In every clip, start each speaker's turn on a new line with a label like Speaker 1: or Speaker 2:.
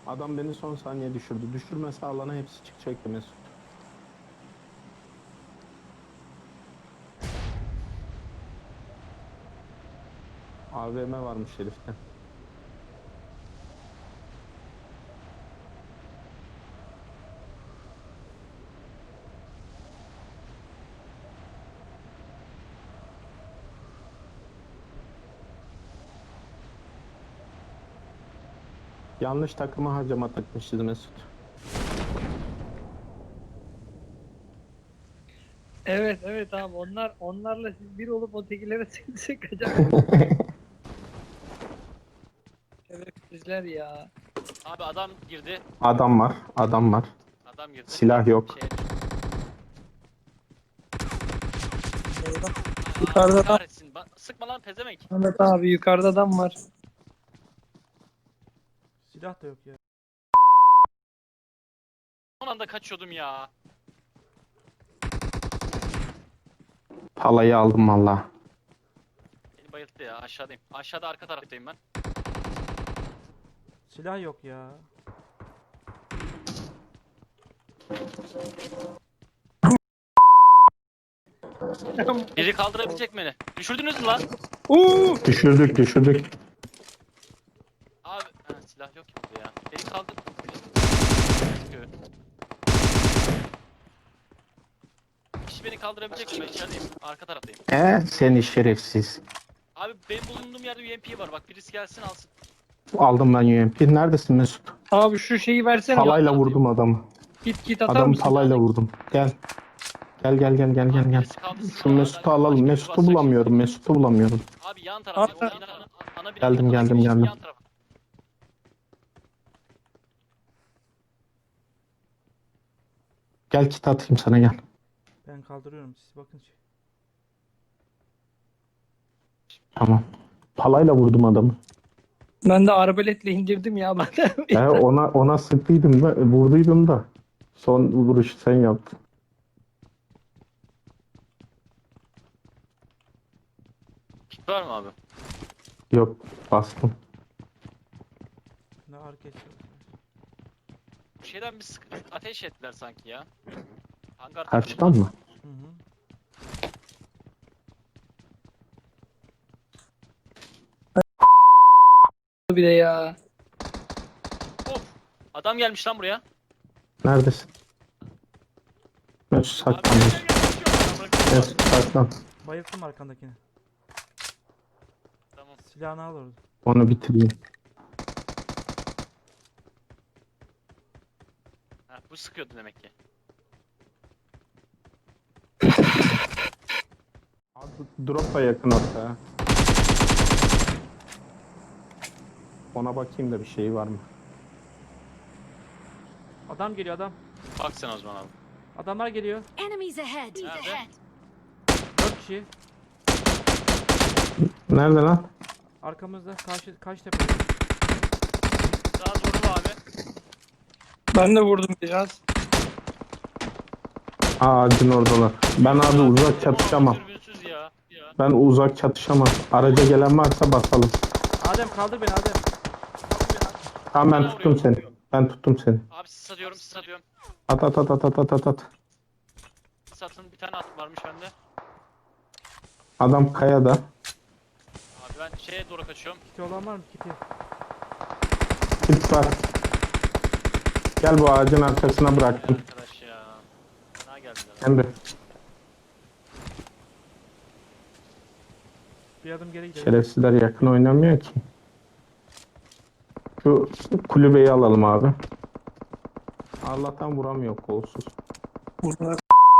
Speaker 1: Adam beni son saniye düşürdü. Düşürmese alana hepsi çıkacaktı Mesut. AVM varmış herifte. Yanlış takıma harcama takmışız Mesut.
Speaker 2: Evet evet abi onlarla siz bir olup ötekilere sıkacak. Şerefsizler ya.
Speaker 3: Abi adam girdi.
Speaker 1: Adam var, adam var.
Speaker 3: Adam girdi.
Speaker 1: Silah yok.
Speaker 3: Şeye düştü.
Speaker 2: Yukarıda
Speaker 3: Allah
Speaker 2: adam.
Speaker 3: kahretsin. Sıkma lan pezemek.
Speaker 2: Ahmet abi yukarıda adam var.
Speaker 4: Silah da yok ya.
Speaker 3: Son anda kaçıyordum ya.
Speaker 1: Palayı aldım valla.
Speaker 3: Beni bayılttı ya, aşağıdayım. Aşağıda arka taraftayım ben.
Speaker 4: Silah yok ya.
Speaker 3: Biri kaldırabilecek beni. Düşürdünüz mü lan?
Speaker 1: Düşürdük.
Speaker 3: Abi silah yok ki burada ya. Beni kaldır. Kişi beni kaldırabilecek mi? Ben içerideyim. Arka taraftayım.
Speaker 1: Seni şerefsiz.
Speaker 3: Abi benim bulunduğum yerde UMP var. Bak birisi gelsin alsın.
Speaker 1: Aldım ben UMP. Neredesin Mesut?
Speaker 2: Abi şu şeyi versene.
Speaker 1: Palayla vurdum adamı.
Speaker 2: Git atar
Speaker 1: Adamı
Speaker 2: mısın?
Speaker 1: palayla vurdum. Gel. Gel.
Speaker 3: Birisi kaldırsın
Speaker 1: Şu
Speaker 3: ya.
Speaker 1: Mesut'u
Speaker 3: Ben
Speaker 1: alalım.
Speaker 3: başka biri
Speaker 1: Mesut'u
Speaker 3: basacak
Speaker 1: bulamıyorum. Mesut'u bulamıyorum.
Speaker 3: şimdi. Abi yan taraf.
Speaker 2: Abi-
Speaker 3: O binanın ana binanın
Speaker 1: Geldim,
Speaker 3: ana
Speaker 1: geldim,
Speaker 3: girişinin
Speaker 1: geldim.
Speaker 3: yan tarafı.
Speaker 1: Gel kit atayım sana gel.
Speaker 4: Ben kaldırıyorum siz bakın.
Speaker 1: Tamam. Palayla vurdum adamı.
Speaker 2: Ben de arbaletle indirdim ya ben de.
Speaker 1: Ona sıktıydım da vurduydum da. Son vuruşu sen yaptın.
Speaker 3: Kit var mı abi?
Speaker 1: Yok bastım.
Speaker 4: Ne arka geçiyor.
Speaker 3: Bu şeyden bir ateş ettiler sanki ya. Hangar
Speaker 1: Karşıdan mı?
Speaker 4: Hı hı.
Speaker 2: Bir de ya.
Speaker 3: Of! Adam gelmiş lan buraya.
Speaker 1: Neredesin? Mesut
Speaker 3: Abi
Speaker 1: saklan.
Speaker 3: gel.
Speaker 1: Mesut saklan.
Speaker 4: Bayılttım arkandakini.
Speaker 3: Tamam.
Speaker 4: Silahını al orada.
Speaker 1: Onu bitireyim.
Speaker 3: Ha, bu sıkıyordu demek ki.
Speaker 1: Abi drop da yakın hatta. Ona bakayım da bir şey var mı?
Speaker 4: Adam geliyor adam.
Speaker 3: Bak sen o zaman abi.
Speaker 4: Adamlar geliyor.
Speaker 5: Enemies ahead.
Speaker 3: Nerede?
Speaker 4: 4 kişi.
Speaker 1: Nerede lan?
Speaker 4: Arkamızda karşı tepe.
Speaker 3: Daha vurdu abi.
Speaker 2: Ben de vurdum biraz.
Speaker 1: Ağacın oradalar. Ben abi uzak çatışamam.
Speaker 3: Dürbünsüz ya.
Speaker 1: Ben uzak çatışamam. Araca gelen varsa basalım.
Speaker 4: Adem kaldır beni Adem.
Speaker 1: Tamam ben tuttum seni. Ben tuttum seni.
Speaker 3: Abi sis atıyorum, sis atıyorum.
Speaker 1: At.
Speaker 3: Sis atın bir tane at varmış bende.
Speaker 1: Adam kayada.
Speaker 3: Abi ben şeye doğru kaçıyorum.
Speaker 4: Kiti olan var mı kiti?
Speaker 1: Kit var. Gel bu ağacın arkasına bıraktım.
Speaker 3: Arkadaş ya. Fena geldiler.
Speaker 1: Emre.
Speaker 4: Bir adım geri gidelim.
Speaker 1: Şerefsizler yakın oynamıyor ki. Şu kulübeyi alalım abi. Allah'tan vuramıyor kolsuz.
Speaker 2: Vurdular.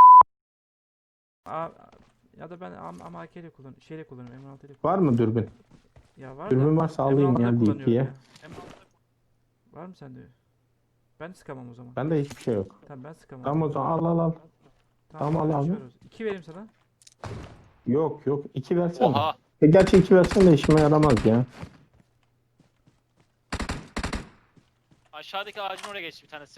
Speaker 4: Ya da ben ama AK'yle kullanıyorum. Şeyle kullanıyorum. M6 ile kullanıyorum.
Speaker 1: Var mı dürbün?
Speaker 4: Ya var
Speaker 1: Dürbün
Speaker 4: da.
Speaker 1: varsa alayım
Speaker 4: M6'da
Speaker 1: ya
Speaker 4: kullanıyorum
Speaker 1: DP'ye.
Speaker 4: ya. Var mı sende? Ben sıkamam o zaman.
Speaker 1: Bende hiçbir şey yok.
Speaker 4: Tamam ben sıkamam.
Speaker 1: Tamam o zaman al. Tamam, al abi.
Speaker 4: 2 vereyim sana.
Speaker 1: Yok 2 versene.
Speaker 3: Oha!
Speaker 1: Gerçi 2 versen de işime yaramaz ya.
Speaker 3: Aşağıdaki ağacın oraya geçti bir tanesi.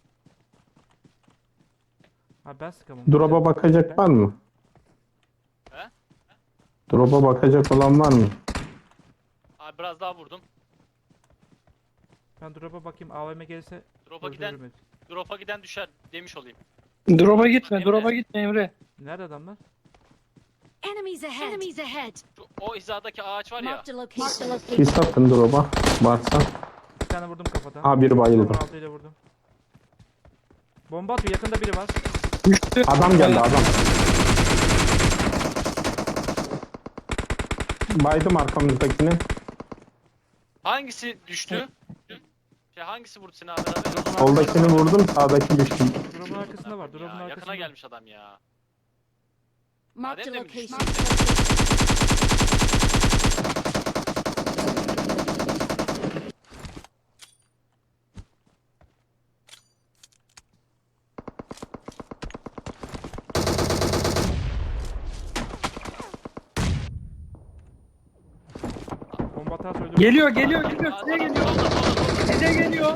Speaker 4: Ha ben sıkamam.
Speaker 1: Drop'a bakacak var mı?
Speaker 3: He?
Speaker 1: Drop'a bakacak olan var mı?
Speaker 3: Abi biraz daha vurdum.
Speaker 4: Ben drop'a bakayım. AVM gelirse öldürürüm.
Speaker 3: Drop'a giden düşer demiş olayım.
Speaker 2: Drop'a gitme,
Speaker 3: Emre.
Speaker 2: drop'a gitme Emre.
Speaker 4: Nerede adamlar?
Speaker 5: Enemies ahead. Enemies ahead.
Speaker 3: O hizadaki ağaç var ya.
Speaker 5: Marked a location.
Speaker 1: Sis attın drop'a. Varsa.
Speaker 4: Bir tane vurdum kafadan.
Speaker 1: Ha biri bayıldı.
Speaker 4: 16 ile vurdum. Bomba atıyor. Yakında biri var.
Speaker 2: Düştü.
Speaker 1: Adam geldi adam. Baydım arkamızdakini.
Speaker 3: Hangisi düştü? Hangisi vurdu seni abi?
Speaker 1: Soldakini vurdum, sağdaki düştü.
Speaker 4: Drop'un arkasında var. Drop'un
Speaker 3: Ya, yakına
Speaker 4: arkasında.
Speaker 3: gelmiş adam ya.
Speaker 5: Marked a
Speaker 3: Adem demiş.
Speaker 5: location.
Speaker 4: Bomba atarsa öldürürüm.
Speaker 2: Geliyor, geliyor, geliyor.
Speaker 3: Aa,
Speaker 2: Size
Speaker 3: adam
Speaker 2: geliyor.
Speaker 3: solda.
Speaker 2: Size geliyor.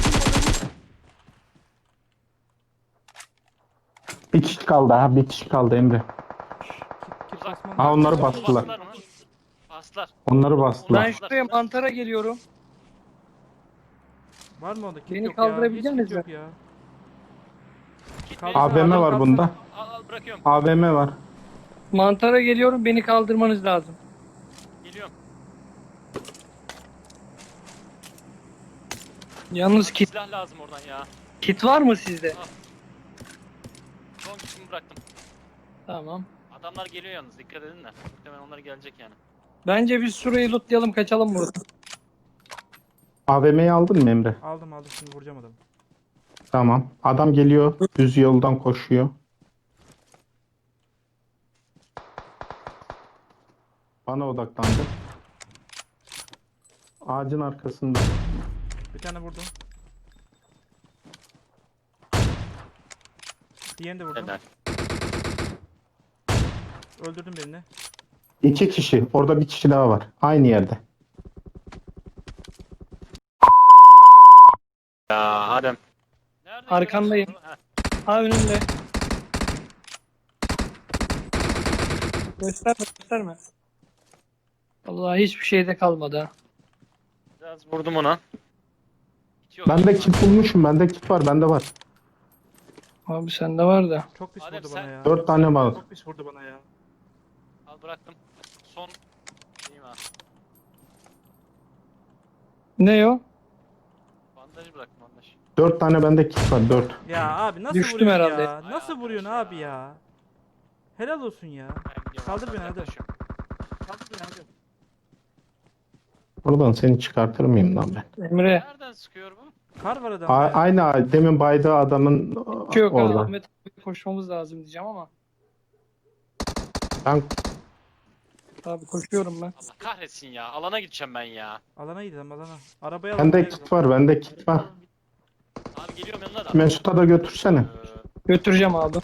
Speaker 1: Bir kişi kaldı ha, bir kişi kaldı Emre.
Speaker 4: Kit
Speaker 3: Uzak.
Speaker 4: basmam
Speaker 1: Ha
Speaker 4: lazım.
Speaker 1: onları bastılar.
Speaker 3: Bastılar mı? Bastılar.
Speaker 1: Onları bastılar.
Speaker 2: Ben şuraya mantara geliyorum.
Speaker 4: Var mı onda? Kit
Speaker 2: Beni
Speaker 4: yok ya.
Speaker 2: kaldırabilecek
Speaker 4: Hiç kit
Speaker 2: misin?
Speaker 4: yok ya.
Speaker 3: Git
Speaker 4: Kaldır.
Speaker 3: beni-
Speaker 1: AVM var
Speaker 4: Kaldır.
Speaker 1: bunda.
Speaker 3: Al bırakıyorum.
Speaker 1: AVM var.
Speaker 2: Mantara geliyorum, beni kaldırmanız lazım.
Speaker 3: Geliyorum.
Speaker 2: Yalnız kit,
Speaker 3: Silah lazım oradan ya.
Speaker 2: kit var mı sizde?
Speaker 3: Son kitimi bıraktım.
Speaker 2: Tamam.
Speaker 3: Adamlar geliyor yalnız dikkat edin de. Muhtemelen onlar gelecek yani.
Speaker 2: Bence biz şurayı lootlayalım, kaçalım buradan.
Speaker 1: AVM'yi aldın mı Emre?
Speaker 4: Aldım şimdi vuracağım adamı.
Speaker 1: Tamam. Adam geliyor. Düz yoldan koşuyor. Bana odaklandı. Ağacın arkasında.
Speaker 4: Bir tane vurdum. Diğerini de vurdum.
Speaker 3: Helal.
Speaker 4: Öldürdüm birini.
Speaker 1: 2 kişi. Orada bir kişi daha var. Aynı yerde.
Speaker 3: Ya Adem. Nerede
Speaker 2: Arkandayım.
Speaker 3: görüyorsun onu? Heh,
Speaker 2: Ha önümde. Gösterme, gösterme. Vallahi hiçbir şeyde kalmadı ha.
Speaker 3: Biraz vurdum ona. Bitiyor.
Speaker 1: Bende kit bulmuşum. Bende kit var. Bende var.
Speaker 2: Abi sende var da.
Speaker 4: Çok pis
Speaker 3: Adem
Speaker 4: vurdu
Speaker 3: sen-
Speaker 4: bana ya.
Speaker 1: 4 tane var.
Speaker 4: Çok pis vurdu bana ya.
Speaker 3: Al bıraktım. Son. İyiyim ha.
Speaker 2: Ne o?
Speaker 3: Bandajı bıraktım bandaj.
Speaker 1: 4 tane bende kit var. 4.
Speaker 4: Ya abi nasıl
Speaker 2: Düştüm
Speaker 4: vuruyorsun
Speaker 2: herhalde.
Speaker 4: ya? Nasıl
Speaker 3: Ay
Speaker 4: vuruyorsun
Speaker 3: arkadaş
Speaker 4: abi
Speaker 3: ya.
Speaker 4: ya? Helal olsun ya.
Speaker 3: Ben gidiyorum,
Speaker 4: Kaldır
Speaker 3: hastaneye
Speaker 4: beni hadi.
Speaker 3: yaklaşıyorum.
Speaker 4: Kaldır beni hadi.
Speaker 1: Oradan seni çıkartır mıyım lan ben?
Speaker 2: Emre.
Speaker 3: Nereden sıkıyor bu?
Speaker 4: Kar var adamda ya.
Speaker 1: Aynı ağaç. Demin baydığı adamın
Speaker 2: Hiç yok ha.
Speaker 1: orada.
Speaker 2: Ahmet abi koşmamız lazım diyeceğim ama.
Speaker 1: Ben
Speaker 2: Abi koşuyorum ben.
Speaker 3: Allah kahretsin ya. Alana gideceğim ben ya.
Speaker 4: Alana gidelim alana. Arabaya alalım.
Speaker 1: bende
Speaker 4: gelin.
Speaker 1: kit var. Bende kit var.
Speaker 3: Abi geliyorum yanına da.
Speaker 1: Mesut'a da götürsene.
Speaker 2: Götüreceğim abi.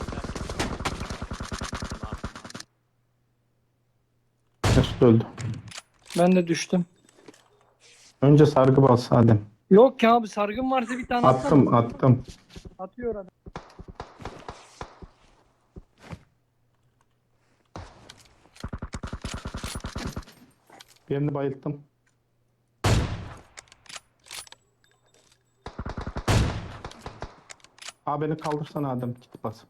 Speaker 1: Mesut öldü.
Speaker 2: Ben de düştüm.
Speaker 1: Önce sargı bas Adem.
Speaker 2: Yok ya abi, sargın varsa bir tane atsana.
Speaker 1: Attım.
Speaker 2: Atıyor adam.
Speaker 1: Birini bayılttım. Beni kaldırsana Adem kit basıp.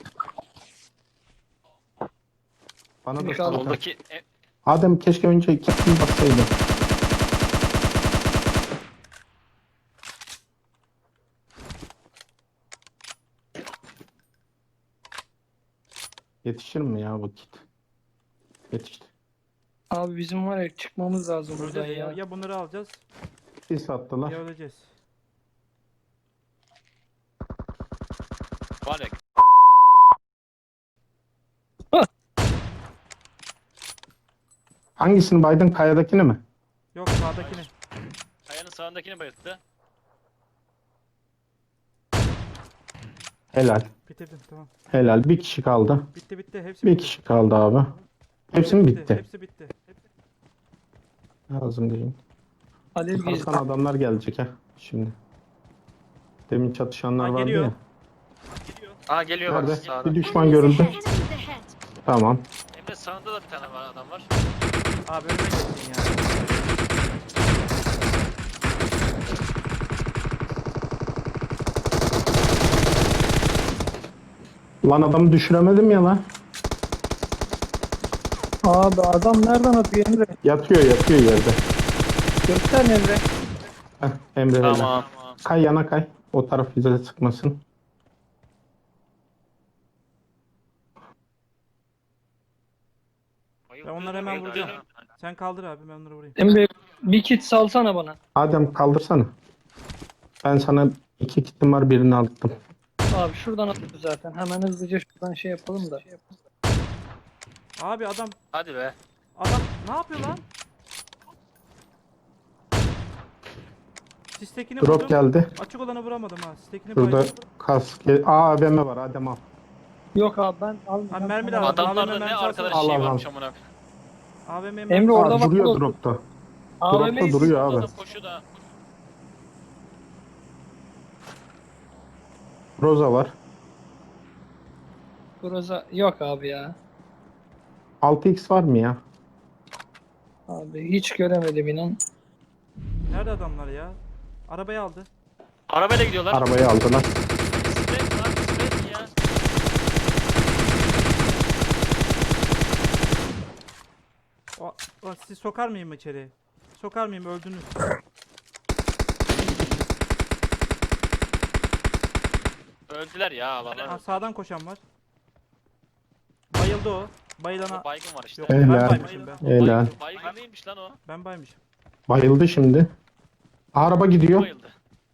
Speaker 1: Bana
Speaker 2: Beni
Speaker 1: da
Speaker 2: kaldır.
Speaker 1: kaldır.
Speaker 3: Soldaki
Speaker 1: Adem keşke önce kitini bassaydın. Yetişir mi ya bu kit? Yetişti.
Speaker 2: Abi bizim var ya, çıkmamız lazım buradan
Speaker 4: Öleceğiz ya.
Speaker 2: ya.
Speaker 4: Ya bunları alacağız
Speaker 1: Sis attılar.
Speaker 4: ya öleceğiz.
Speaker 3: var ya.
Speaker 1: Hangisini baydın? Kayadakini mi?
Speaker 4: Yok sağdakini.
Speaker 3: Kayanın sağındakini bayılttı.
Speaker 1: Helal.
Speaker 4: Bitirdim tamam.
Speaker 1: Helal. Bir kişi kaldı.
Speaker 4: Bitti bitti. Hepsi
Speaker 1: Bir
Speaker 4: bitti.
Speaker 1: kişi kaldı abi. Hepsi mi bitti?
Speaker 4: Hepsi bitti.
Speaker 1: Lazım değil.
Speaker 2: Alev gezi.
Speaker 1: Arkadan adamlar gelecek ha şimdi. Demin çatışanlar
Speaker 4: Ha,
Speaker 1: vardı
Speaker 4: geliyor.
Speaker 1: ya.
Speaker 3: Aa geliyor bak
Speaker 1: Nerede?
Speaker 3: sağda.
Speaker 1: Bir düşman görüldü.
Speaker 5: Enemies ahead.
Speaker 1: Tamam.
Speaker 3: Emre sağında da bir tane var adam var.
Speaker 4: Abi önüme geçtin ya.
Speaker 1: Lan adamı düşüremedim ya lan.
Speaker 2: Abi adam nereden atıyor Emre?
Speaker 1: Yatıyor yerde.
Speaker 2: Göster Emre.
Speaker 1: Heh, Emre helal.
Speaker 3: Tamam.
Speaker 1: Kay yana kay. O taraf bize sıkmasın.
Speaker 3: Bayıldı,
Speaker 4: Ben onları hemen
Speaker 3: bayıldı.
Speaker 4: vuracağım. Sen kaldır abi, ben onları vurayım.
Speaker 2: Emre bir kit salsana bana.
Speaker 1: Adem kaldırsana. Ben sana 2 kitim var, birini attım.
Speaker 2: Abi şuradan atıyor zaten. Hemen hızlıca şuradan şey yapalım da.
Speaker 4: Abi adam
Speaker 3: Hadi be.
Speaker 4: ne yapıyor lan? Sistekini
Speaker 1: Drop
Speaker 4: vurdum.
Speaker 1: geldi.
Speaker 4: Açık olanı vuramadım ha. Sistekini
Speaker 1: Şurada
Speaker 4: bayıldım.
Speaker 1: kask. AVM var, Adem al.
Speaker 2: Yok abi ben almayacağım.
Speaker 4: Abi mermi
Speaker 2: Sana-
Speaker 4: lazım.
Speaker 3: Adamlarda
Speaker 4: AVM
Speaker 3: ne
Speaker 4: mermisi
Speaker 3: arkadaş
Speaker 1: al,
Speaker 3: şey
Speaker 1: al, al.
Speaker 3: varmış amına.
Speaker 4: AVM
Speaker 2: Emre
Speaker 4: mermisi-
Speaker 2: orada
Speaker 1: Aa,
Speaker 2: bak.
Speaker 1: duruyor
Speaker 2: bu-
Speaker 1: dropta.
Speaker 2: AVM'yi
Speaker 1: Dropta duruyor abi.
Speaker 3: Adam koşuyor da.
Speaker 1: Roza var.
Speaker 2: Groza yok abi ya.
Speaker 1: 6x var mı ya?
Speaker 2: Abi hiç göremedim inan.
Speaker 4: Nerede adamlar ya? Arabayı aldı.
Speaker 3: Arabayla gidiyorlar.
Speaker 1: Arabayı aldılar.
Speaker 3: Bisiklet lan, bisiklet mi ya?
Speaker 4: Sizi sokar mıyım içeri? Sokar mıyım? Öldünüz.
Speaker 3: Öldüler ya
Speaker 4: Ha,
Speaker 3: valla.
Speaker 4: sağdan koşan var. Bayıldı o. Bayılana...
Speaker 3: O baygın var işte.
Speaker 4: Yok,
Speaker 1: Helal.
Speaker 4: ben baymışım ben.
Speaker 1: Helal.
Speaker 3: Baygın neymiş lan o?
Speaker 4: Ben baymışım.
Speaker 1: Bayıldı şimdi. Araba gidiyor.
Speaker 3: Bayıldı.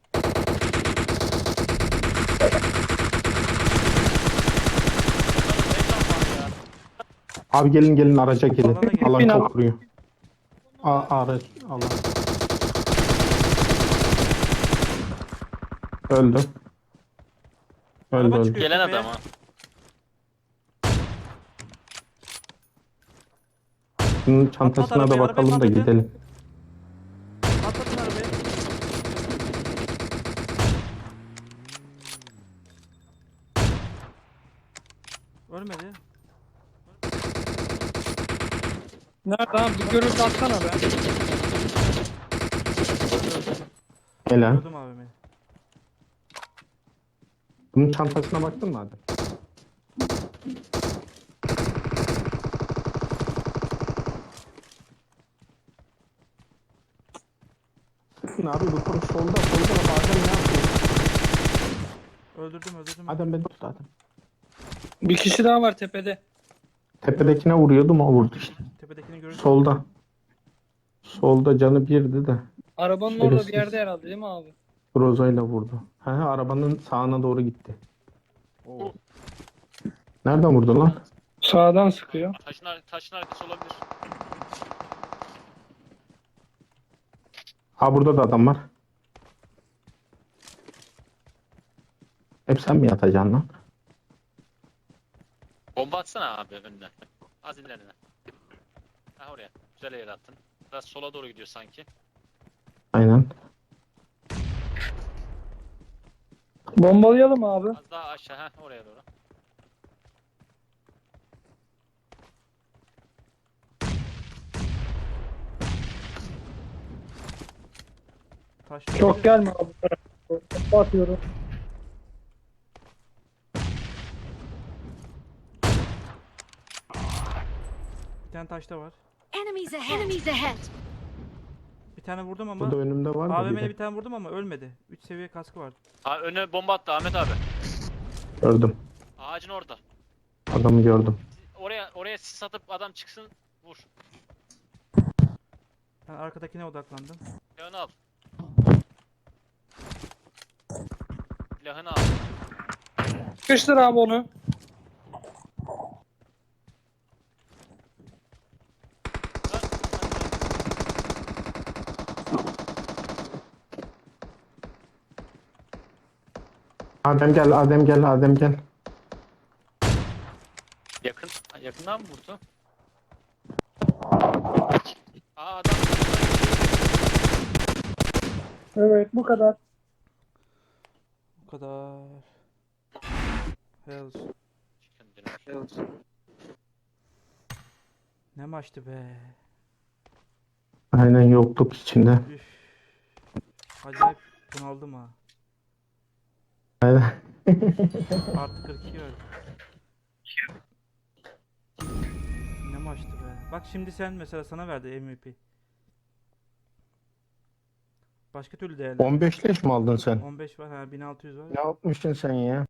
Speaker 1: Abi gelin araca gelin.
Speaker 4: Alana gelin.
Speaker 1: Alan
Speaker 2: Bin
Speaker 1: çok vuruyor. Araç alan. Öldü. Öldü
Speaker 4: Araba
Speaker 1: öldü.
Speaker 4: çıkıyor.
Speaker 3: Gelen
Speaker 4: tepeye.
Speaker 3: adam ha.
Speaker 1: Bunun çantasına da
Speaker 4: arabayı,
Speaker 1: bakalım da
Speaker 4: arabayı patlatın.
Speaker 1: gidelim.
Speaker 4: Atlatın arabayı. Ölmedi.
Speaker 2: Nerede abi? Bir görüntü atsana be.
Speaker 1: Helal.
Speaker 4: Öldüm abimi.
Speaker 1: Bunun çantasına baktın mı hadi? Sıkın abi bu konu solda da bazen ne yapıyor?
Speaker 4: Öldürdüm.
Speaker 1: Adem beni tut Adem.
Speaker 2: Bir kişi daha var tepede.
Speaker 1: Tepedekine vuruyordum, o vurdu işte.
Speaker 4: Tepedekini görürsün.
Speaker 1: Solda. Solda canı birdi de.
Speaker 2: Arabanın orada bir
Speaker 1: Şerefsiz.
Speaker 2: yerde herhalde değil mi abi?
Speaker 1: Rozayla vurdu. Arabanın sağına doğru gitti. Nereden vurdu lan?
Speaker 2: Sağdan sıkıyor.
Speaker 3: Taşın arkası olabilir.
Speaker 1: Burada da adam var. Hep sen mi yatacaksın lan?
Speaker 3: Bomba atsana abi önüne. Az ilerine. Ha oraya. Güzel yere attın. Biraz sola doğru gidiyor sanki.
Speaker 1: Aynen.
Speaker 2: Bombalayalım abi.
Speaker 3: Az daha aşağı. Ha oraya doğru.
Speaker 4: Taş
Speaker 2: Çok gelme abi. Bomba atıyorum.
Speaker 4: Bir tane taş da var.
Speaker 5: Enemies ahead. Enemies ahead.
Speaker 4: Bir tane vurdum ama.
Speaker 1: Burada önümde var da
Speaker 4: AVM'le
Speaker 1: biri.
Speaker 4: bir tane vurdum ama ölmedi. 3 seviye kaskı vardı.
Speaker 3: Ha önüne bomba attı Ahmet abi.
Speaker 1: Gördüm.
Speaker 3: Ağacın orada.
Speaker 1: Adamı gördüm.
Speaker 3: Oraya sis atıp adam çıksın. Vur.
Speaker 4: Ben arkadakine odaklandım.
Speaker 3: Silahını al. Silahını al.
Speaker 2: Sıkıştır abi onu.
Speaker 1: Adem gel, Adem gel, Adem gel.
Speaker 3: Yakından mı vurdu? Adam.
Speaker 2: Evet bu kadar.
Speaker 4: Bu kadar. Hells. Ne maçtı be.
Speaker 1: Aynen, yokluk içinde.
Speaker 4: Üf. Acayip bunaldım ha.
Speaker 1: Aynen.
Speaker 4: Artı 42 verdi. Ne maçtı be. Bak şimdi sen mesela sana verdi MVP. Başka türlü değerli.
Speaker 1: 15 leş mi aldın sen?
Speaker 4: 15 var ha 1600 var.
Speaker 1: Ne yapmışsın sen ya?